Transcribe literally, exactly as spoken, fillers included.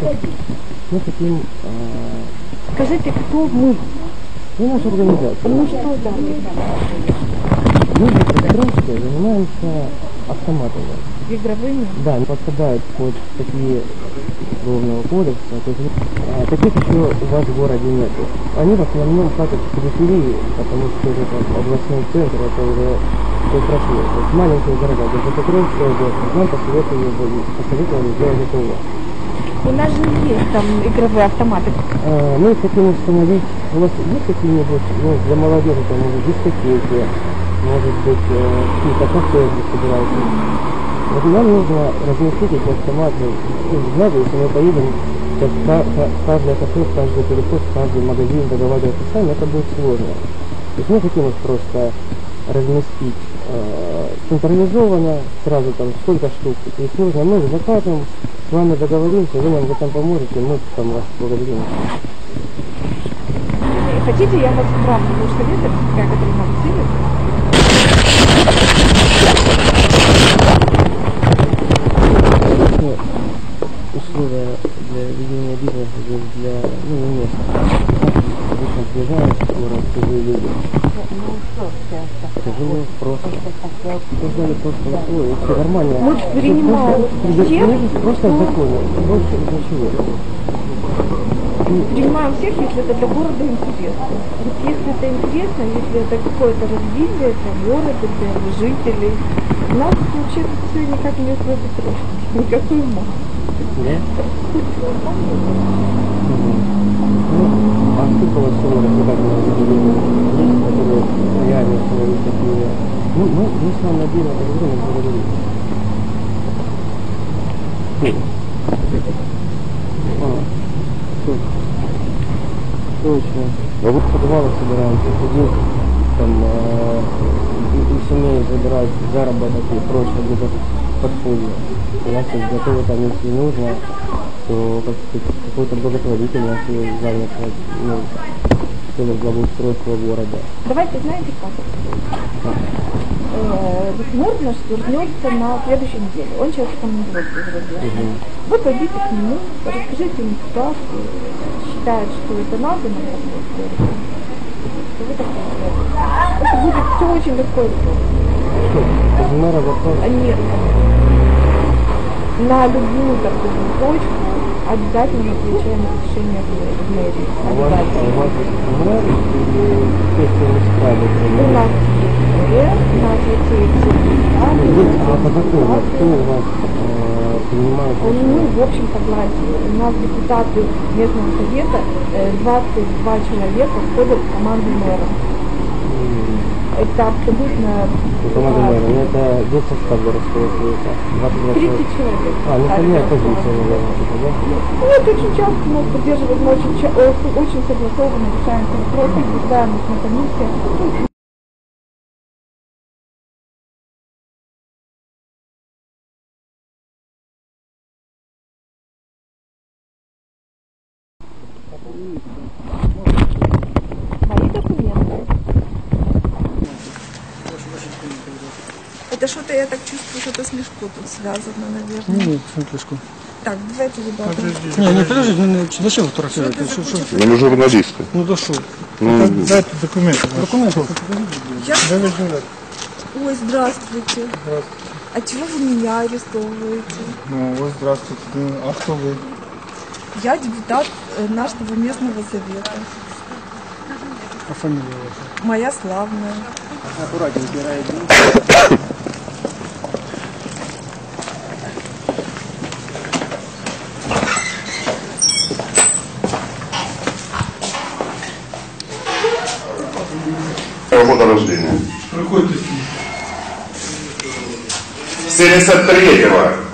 Мы хотим... Э... Скажите, кто мы? Мы наша организация. Ну что да? Мы в Петровске занимаемся автоматами. Игровыми? Да, они подпадают под такие уголовного кодекса. То есть, а, таких еще у вас в городе нету. Они в основном платят в периферии, потому что это областной центр, это уже все прошло. То есть маленькие города, даже Петровская область, нам посоветовали, посоветовали сделать это у вас. У нас же есть там игровые автоматы. А, мы хотим установить, у вас есть какие-нибудь, ну, для молодежи, там, может, дискотеки, может быть, э, какие-то кафе, где собираются. Вот нам нужно разместить эти автоматы, ну, знаете, если мы поедем, то в каждое кафе, в каждый переход, в каждый магазин договариваться сами, это будет сложно. То есть мы хотим их просто разместить э, централизованно, сразу там сколько штук их нужно, мы закажем, с вами договоримся, вы нам в этом поможете, мы там вас благодарим. Хотите, я вас правда буду советовать, как это нам сидит? Условия для ведения бизнеса здесь для, ну, не места. Обычно приезжают в город чужие люди. Тяжело, просто. Создали просто условия, все нормально. Мы принимаем всех, просто в законе, больше ничего. Принимаем всех, если это для города интересно. Вот если это интересно, если это какое-то развитие для города, для жителей. У нас вообще-то все никак не отводит трошки. Никакой ума. Да? А сколько у вас всего развлекательного заведения есть, которые реально установить такие? Ну, мы, мы с вами отдельно поговорим, мы поговорим. А, тут. Точно. А вот в подвалах собираемся ходить, там, э, у семей забирать заработок и прочее, где-то подполье. У нас есть готовы там, если нужно, то какой-то благотворительность занято, ну, в целях благоустройства города. Давайте, знаете как? Мур наш вернется на следующей неделе. Он сейчас в командировке зародился. Угу. Вы пойдите к нему, расскажите ему ситуацию, считает, что это надо на работе. Вы так делаете. Это будет все очень легко и просто. Что? Мэра вопрос? А нет. На любую такую точку обязательно отвечаем на решение в мэрии. А у вас есть мэр или те, кто не справится? У нас есть мэр, у нас есть депутаты. По закону, кто у вас принимает? Ну, в общем, согласен. У нас депутаты местного совета, двадцать два человека входят в команду мэра. Это абсолютно... Команда мэра, ну это весь состав городского совета. тридцать человек. А, ну это не оппозиция, наверное, типа, да? Нет, очень часто нас поддерживают, мы очень, очень согласованно решаем вопросы, обсуждаем их на комиссиях. Мои документы. Это что-то, я так чувствую, что-то с Лешко тут связано, наверное. Нет, нет, Лешко. Так, давайте, ребята. Подожди, не, не подожди, не, не, зачем фотографировать? Что, что? Ну, мы журналисты. Ну, да что? Ну, дайте документы. Документы? Я... Ой, здравствуйте. Здравствуйте. А чего вы меня арестовываете? Ну, вот здравствуйте. А кто вы? Я депутат нашего местного совета. А фамилия ваша? Моя славная. Аккуратнее убирает. Года рождения. Какой ты? семьдесят третьего.